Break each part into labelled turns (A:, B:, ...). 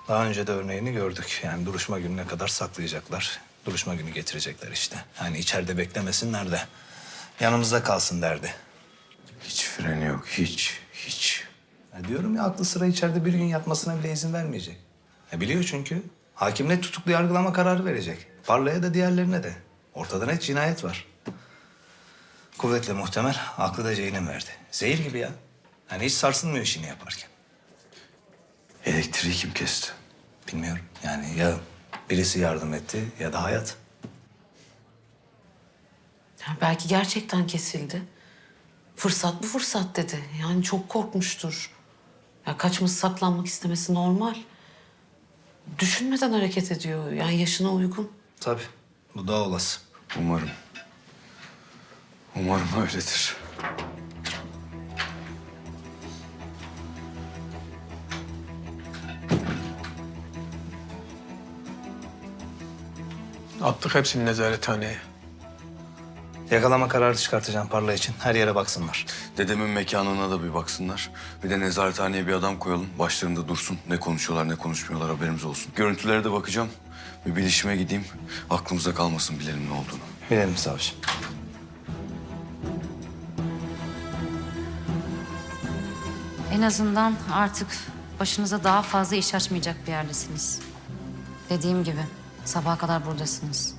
A: Daha önce de örneğini gördük. Yani duruşma gününe kadar saklayacaklar. Duruşma günü getirecekler işte. Yani içeride beklemesinler de yanımızda kalsın derdi.
B: Hiç freni yok, hiç.
A: Ya diyorum ya aklı sıra içeride bir gün yatmasına bile izin vermeyecek. Biliyor çünkü. Hakim net tutuklu yargılama kararı verecek. Parlaya da diğerlerine de. Ortada net cinayet var. Kuvvetle muhtemel aklı da Ceylin verdi. Zehir gibi ya. Yani hiç sarsılmıyor işini yaparken.
B: Elektriği kim kesti?
A: Bilmiyorum yani ya birisi yardım etti ya da hayat.
C: Ya belki gerçekten kesildi. Fırsat bu fırsat dedi. Yani çok korkmuştur. Ya kaçması saklanmak istemesi normal. Düşünmeden hareket ediyor. Yani yaşına uygun.
A: Tabii bu daha olası.
B: Umarım. Umarım öyledir.
D: Attık hepsini nezarethaneye.
A: Yakalama kararı çıkartacağım Parla için. Her yere baksınlar.
B: Dedemin mekanına da bir baksınlar. Bir de nezarethaneye bir adam koyalım. Başlarında dursun. Ne konuşuyorlar, ne konuşmuyorlar haberimiz olsun. Görüntülere de bakacağım. Bir bilişime gideyim. Aklımıza kalmasın bilelim ne olduğunu.
A: Bilelim savcı.
E: En azından artık başınıza daha fazla iş açmayacak bir yerdesiniz. Dediğim gibi sabaha kadar buradasınız.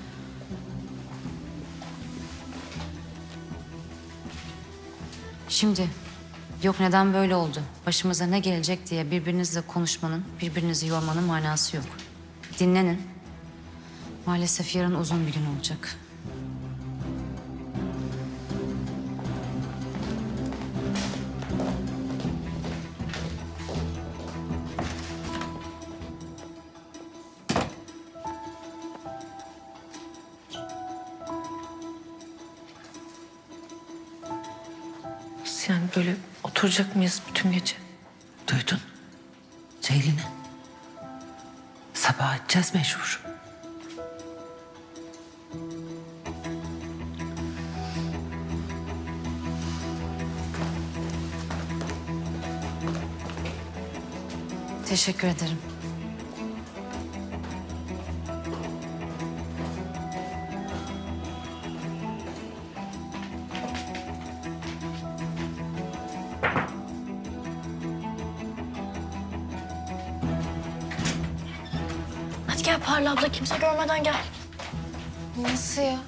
E: Şimdi yok neden böyle oldu, başımıza ne gelecek diye birbirinizle konuşmanın, birbirinizi yormanın manası yok. Dinlenin. Maalesef yarın uzun bir gün olacak.
C: Nasıl yani böyle oturacak mıyız bütün gece?
F: Duydun. Ceylin'i. Sabah edeceğiz mecbur.
E: Teşekkür ederim.
G: Hadi gel Parla abla kimse görmeden gel.
H: Nasıl ya?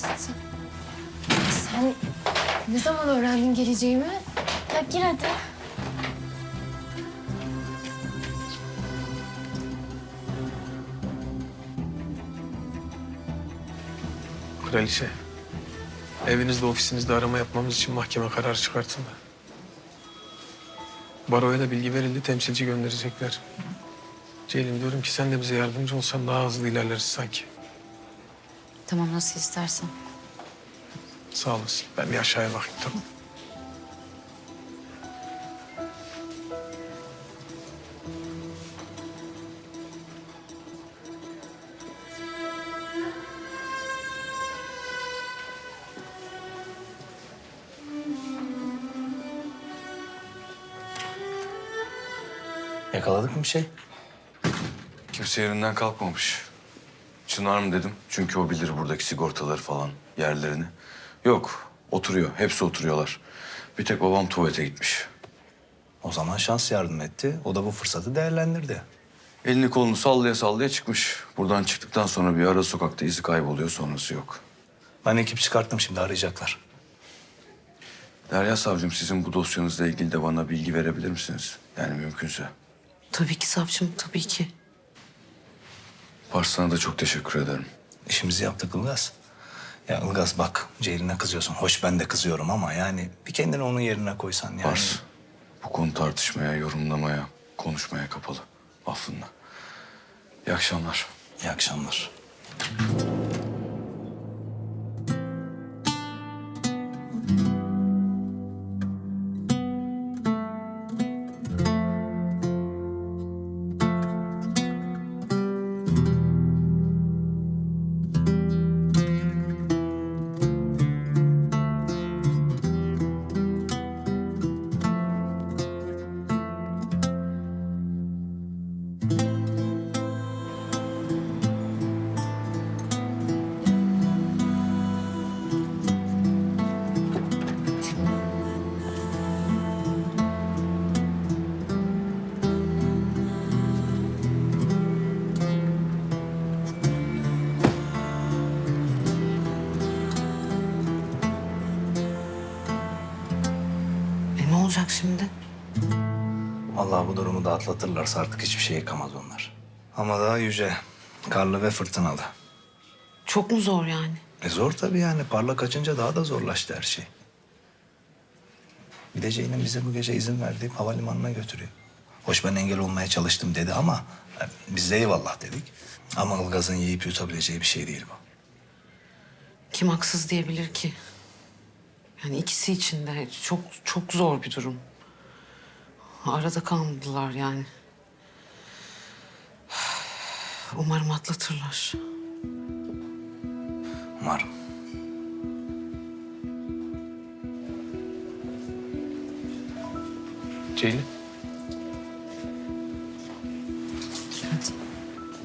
H: Sen ne zaman öğrendin geleceğimi?
G: Ya gir hadi.
D: Kraliçe, evinizde, ofisinizde arama yapmamız için mahkeme kararı çıkartıldı. Baroya da bilgi verildi, temsilci gönderecekler. Ceylin diyorum ki sen de bize yardımcı olsan daha hızlı ilerleriz sanki.
E: Tamam nasıl istersen.
D: Sağ olasın. Ben bir aşağıya bakayım tamam.
A: Yakaladık mı bir şey?
B: Kimse yerinden kalkmamış. Çınar mı dedim. Çünkü o bilir buradaki sigortaları falan, yerlerini. Yok, oturuyor. Hepsi oturuyorlar. Bir tek babam tuvalete gitmiş.
A: O zaman şans yardım etti. O da bu fırsatı değerlendirdi.
B: Elini kolunu sallaya sallaya çıkmış. Buradan çıktıktan sonra bir ara sokakta izi kayboluyor, sonrası yok.
A: Ben ekip çıkarttım şimdi arayacaklar.
B: Derya Savcım, sizin bu dosyanızla ilgili de bana bilgi verebilir misiniz? Yani mümkünse.
C: Tabii ki savcım, tabii ki.
B: Pars, sana da çok teşekkür ederim.
A: İşimizi yaptık Ilgaz. Ya Ilgaz bak Ceylin'e kızıyorsun. Hoş ben de kızıyorum ama yani bir kendini onun yerine koysan yani.
B: Pars, bu konu tartışmaya, yorumlamaya, konuşmaya kapalı. Affınla. İyi akşamlar.
A: İyi akşamlar.
C: olacak şimdi?
A: Vallahi bu durumu da atlatırlarsa artık hiçbir şey yıkamaz onlar. Ama daha yüce, karlı ve fırtınalı.
C: Çok mu zor yani?
A: Zor tabii yani. Parla kaçınca daha da zorlaştı her şey. Bir de Ceylin bize bu gece izin verdiği havalimanına götürüyor. Hoş ben engel olmaya çalıştım dedi ama biz de eyvallah dedik. Ama Ilgaz'ın yiyip yutabileceği bir şey değil bu.
C: Kim haksız diyebilir ki? Yani ikisi için de çok çok zor bir durum. Arada kalmadılar yani. Umarım atlatırlar.
A: Umarım.
D: Ceylin.